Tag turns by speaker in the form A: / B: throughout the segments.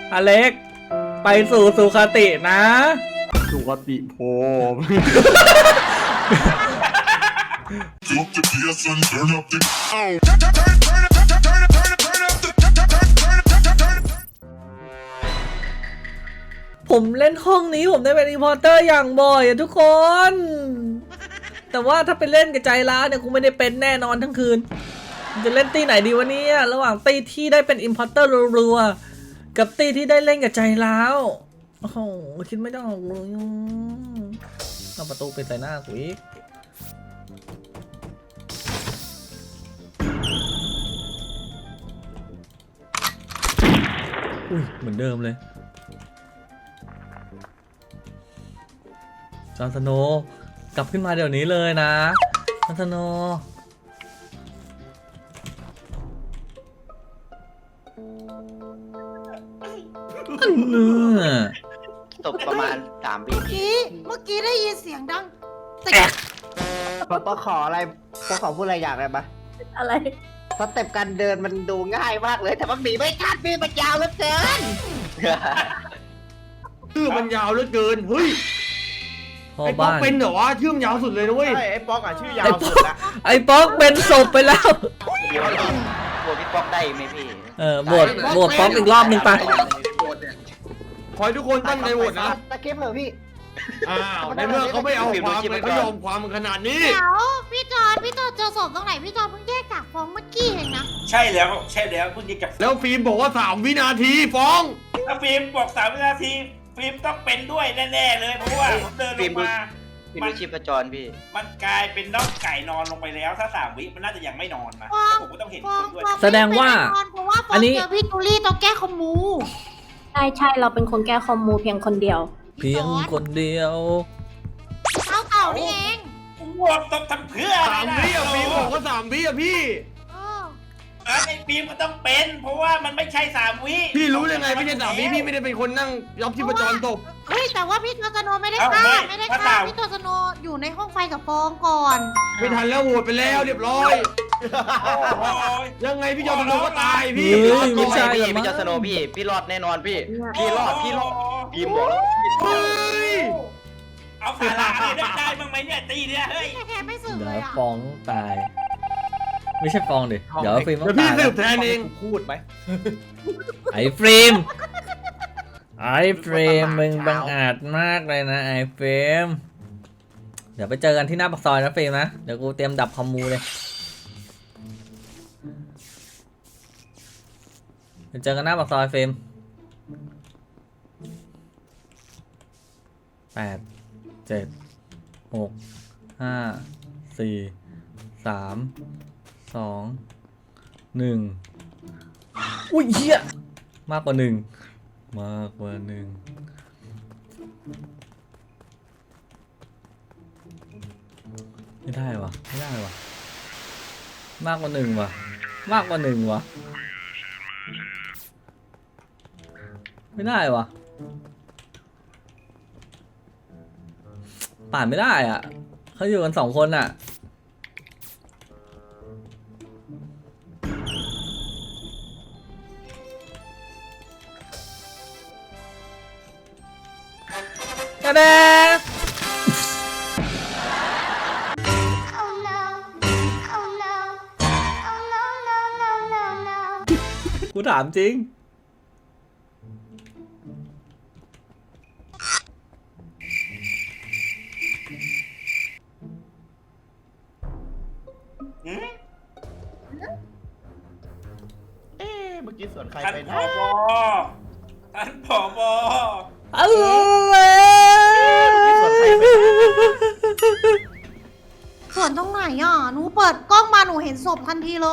A: อเล็กไปสู่สุคตินะ
B: สุคติโพ
A: ผมเล่นห้องนี้ผมได้เป็นอินพอร์เตอร์อย่างบ่อยอะทุกคนแต่ว่าถ้าไปเล่นกับใจร้าวเนี่ยกูไม่ได้เป็นแน่นอนทั้งคืนจะเล่นตีไหนดีวะเนี่ยระหว่างตีที่ได้เป็นอินพอร์เตอร์รัวๆกับตีที่ได้เล่นกับใจร้าวโอ้โหคิดไม่ต้องเลยเอาประตูไปใส่หน้ากูอีกอุ้ยเหมือนเดิมเลยจอห์นสโนว์กลับขึ้นมาเดี๋ยวนี้เลยนะจอห์นสโนว์
C: ตกประมาณ3 ปี
D: เมื่อกี้ได้ยินเสียงดัง
E: ปอขออะไรปอขอพูดอะไรอย่างไรปะ
D: อะไร
E: สเต็ปการเดินมันดูง่ายมากเลยแต่มันหนีไม่ทันพี่มันยาวเหลือเกิน
B: ชื่อมันยาวเหลือเกินเฮ้ยไอ้ป๊อกเป็นเหรอวะชื่อมันยาวสุดเลยนะเว้ย
E: ไอ้ป๊อกอ่ะชื่อยาวสุดละ
A: ไอ้ป๊อกเป็นศพไปแล้ว
C: บวชพี่ป๊อกได้ไหมพี่
A: บวชป๊อกอีกรอบหนึ่งไป
B: ขอให้ทุกคนตั้งใจโหวตนะ
E: ตะเก็บเหรอพี่
B: อ้าวในเมื่อเขาไม่เอาความเลยเขายอมความมันขนาดนี้
D: เดี๋ยวพี่จอนเจอศพตรงไหนพี่จอนเพิ่งแยกจากฟองเมื่อกี้เองนะ
F: ใช่แล้วเพิ่งจะจับ
B: แล้วฟิล์มบอกว่า3 วินาทีฟ้อง
F: ถ้าฟิล์มบอก3 วินาทีฟิล์มต้องเป็นด้วยแน่ๆเลยเพราะว่าผมเดินลงมา
C: พี่ดูชีพจรพี่
F: มันกลายเป็นน้องไก่นอนลงไปแล้วถ้า3 วิมันน่าจะยังไม่นอนนะผมก็ต้องเห็นคนด้วย
A: แสดงว่า
D: เพราะว่าฟองเจอพี่จูลี่ต้องแก้คอมมู
G: ใช่เราเป็นคนแก้คอมมูเพียงคนเดียว
A: เพียงคนเดียว
D: เต่านี่เอง
F: ผมวกต้องทำเพื่ออะไรนะ
B: 3 วิอ่ะฟิล์มบอกว่า3 วิอ่ะพี่
F: ไอ้ฟิล์มก็ต้องเป็นเพราะว่ามันไม่ใช่3 วิ
B: พี่รู้ยังไงไม่ใช่3 วิพี่ไม่ได้เป็นคนนั่งยอบชีพจรตบ
D: เฮ้ยแต่ว่าพี่จอนสโนไม่ได้ฆ่าพี่จอนสโนอยู่ในห้องไฟกับฟองก่อน
B: ไม่ทันแล้วโหวตไปแล้วเรียบร้อย
F: โอ้ย
B: ยังไงพี่จอมพลก็ตายพี่
A: เฮ้ยไม่ใช่
C: พี่จะสโนพี่รอดแน่นอนพี่รอดพี่บอกแล้ว
B: เฮ้ย
F: เอาสาระได้บ้างไหมเนี่ยตีเนี่ยเฮ้ย
D: แค่ไม่สึก
A: เดี๋
D: เลย
A: ยว
D: อ่ะ
A: ฟ้องตาย ไม่ใช่ฟ้องดิเดี๋ยวฟิล์มต้อ
B: เดี๋ยว
A: ง
B: พี่
A: ตาย
B: สืบแทนเอง
E: พูดไหม
A: ไอ้ฟิล์มมึงบังอาจมากเลยนะไอ้ฟิล์มเดี๋ยวไปเจอกันที่หน้าปากซอยนะฟิล์มนะเดี๋ยวกูเตรียมดับคอมมูเลยไปเจอกันหน้าปากซอยฟิล์ม8 7 6 5 4 3 2 1อุ้ยเหี้ยมากกว่า1ไม่ได้วะมากกว่า1วะไม่ได้วะป่านไม่ได้อ่ะเขาอยู่กัน2 คนอ่ะกระเดกูถามจริง
E: เมื่อกี้สวนใคร
F: ท่าน
E: ไป
F: ผ
E: นะ
F: บ
A: อะไร
D: ส่วนตรงไหนอ่ะหนูเปิดกล้องมาหนูเห็นศพทันทีเลย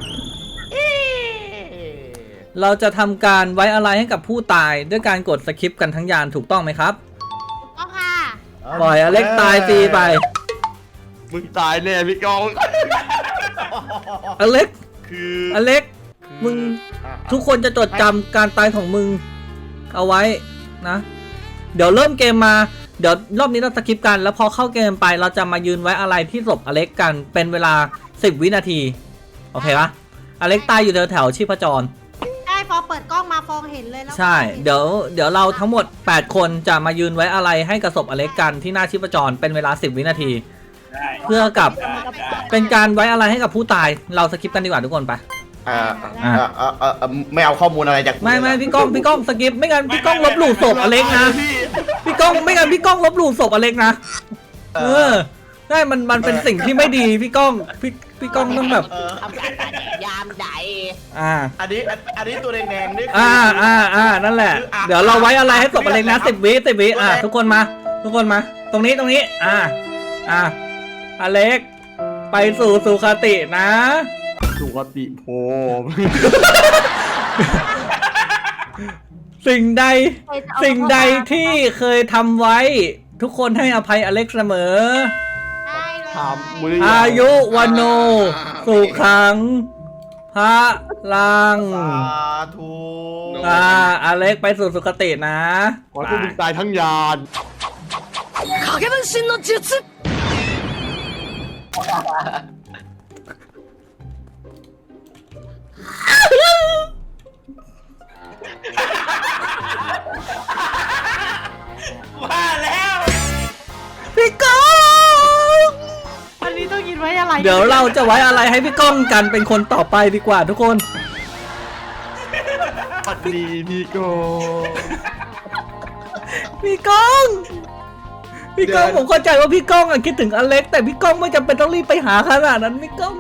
A: เราจะทำการไว้อะไรให้กับผู้ตายด้วยการกดสคิปกันทั้งยานถูกต้องไหมครับ
D: ก็ค่ะ
A: ปล่อยอเล็กตายฟรีไป
B: มึงตายแน่พี่กอง
A: อเล็ก
B: คือ
A: อเล็กมึงทุกคนจะจดจำการตายของมึงเอาไว้นะ เดี๋ยวเริ่มเกมมาเดี๋ยวรอบนี้เราสคิปกันแล้วพอเข้าเกมไปเราจะมายืนไว้อะไรที่ศพอเล็กกันเป็นเวลา10 วินาทีโอเคปะอเล็กตายอยู่แถวชีพจร
D: ได้ฟองเปิดกล้องมาฟองเห็นเลยแล้ว
A: ใช่ เดี๋ยวเราทั้งหมด 8 คนจะมายืนไว้อะไรให้กับศพอเล็กกันที่หน้าชีพจรเป็นเวลา10 วินาที
F: ได้
A: เพื่อกับ
F: ได้ได้
A: เป็นการไว้อะไรให้กับผู้ตายเราสกิปกันดีกว่าทุกคนไป
B: ไม่เอาข้อมูลอะไรจาก
A: ไม่พี่ก้องสกิปไม่งั้นพี่ก้องลบหลู่ศพอเล็กนะพี่ก้องไม่งั้นพี่ก้องลบหลู่ศพอเล็กนะใช่มันเป็นสิ่งที่ไม่ดีพี่ก้องพี่ก้องต้องแบบ
E: ทำการยามใด
B: อันนี้ตัวแดงๆนี่
A: นั่นแหละเดี๋ยวเราไว้อะไรให้ศพอเล็กนะ10 วิทุกคนมาตรงนี้อเล็กไปสู่สุคตินะ
B: สุขติโพม
A: สิ่งใดที่เคยทำไว้ทุกคนให้อภัยอเล็กเสมอ
D: ได้เลย
B: ถามมือ
A: อายุวันโนสุขังพระลัง
B: สาธุ
A: อเล็กไปสู่สุคตินะ
B: ขอให้มึงตายทั้งยาน
F: ว่าแล้ว
A: พี่ก้อง
D: วันนี้ต้องกินไว้อะไร
A: เดี๋ยวเราจะไว้อะไรให้พี่ก้องกันเป็นคนต่อไปดีกว่าทุกคน
B: ปัดดีพี่โก
A: พี่ก้องผมเข้าใจว่าพี่ก้องคิดถึงอเล็กแต่พี่ก้องไม่จำเป็นต้องรีบไปหาขนาดนั้นพี่ก้อง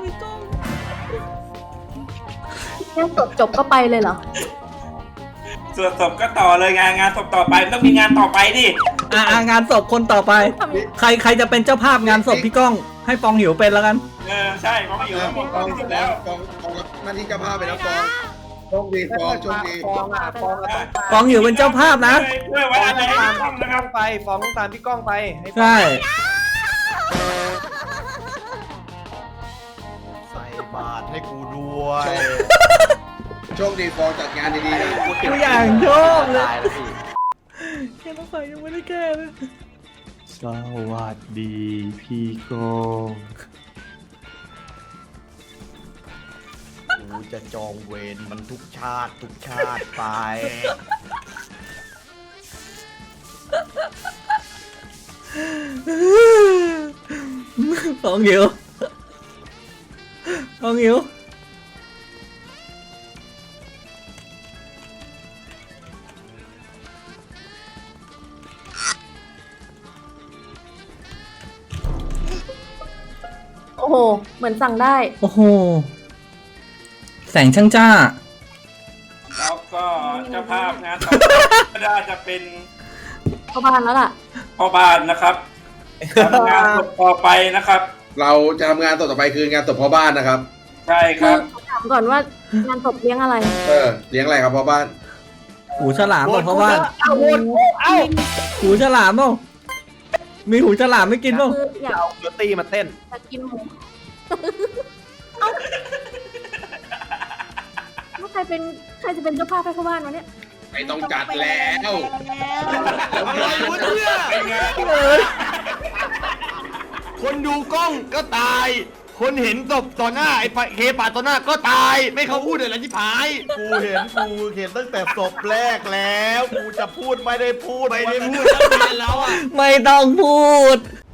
G: แค่จบก็ไปเลยเหรอ
F: ส่วนศพก็ต่อเลยงานศพต่อไปมันต้องมีงานต่อไปดิ
A: งานศพคนต่อไป ใครจะเป็นเจ้าภาพงานศพพี่ก้อง ให้ฟองหิวเป็นแล้วกัน
F: ใช่เพราะว่าอยู่ทั้งหมดที่สุดแล้ว
H: ฟองหน้าที่เจ้าภาพไปแล้วฟองโชคดีฟองโชคดี
A: ฟองหิวเป็นเจ้าภาพนะ
F: เพื่อไว้อะไรให้พี่ก้องนะครับ
B: ไปฟ้องตามพี่ก้องไป
A: ใช่
B: ใส่บาตรให้กูด้วย
H: โชคดีฟองจัดงานดีๆนะ
A: กูอย่างชอบเลย
C: ตายแล้วพี่
A: แค่ต้องใส่ยังไม่ได้แก้เลย
B: สวัสดีพี่โกงกูจะจองเวรมันทุกชาติไป
A: ฟองหิว
G: โอ้โห เหมือนสั่งได้
A: โอ้โห แสงช่างจ้า
F: แล้วก็เจ้าภาพงานต่อไปก็น่าจะเป็น
G: เข้าบ้านแล้วล่ะ
F: พ่อบ้านนะครับทำงานศพต่อไปนะครับ
H: เราจะทำงานต่อไปคืองานศพพ่อบ้านนะครับ
F: ใช่ค
G: คื
F: รั
G: อบ ถามก่อนว่างานศพเลี้ยงอะไร
H: เลี้ยงอะไรครับพ่อบ้าน
A: หูฉลามบอกเพราะว่าหูฉลามเปล่ามีหูฉลามไม่กินเปล่า
G: คืออยาก
B: เดี๋ยวตีมาเต้น
G: กินหมูเอ้าแล้วใครจะเป็นเจ้าภาพให้เข้าบ้านวะเนี่ย
H: ไม่ต้องจัดแล้ว
B: อะไรวะเนี่ยคนดูกล้องก็ตาย คนเห็นศพต่อหน้าไอ้เคปาต่อหน้าก็ตาย ไม่เขาพูดอะไรที่ผาย กูเห็นตั้งแต่ศพแรกแล้ว กูจะพูดไม่ได้พูดตั้งนานแล้วอ่ะ
A: ไม่ต้องพูด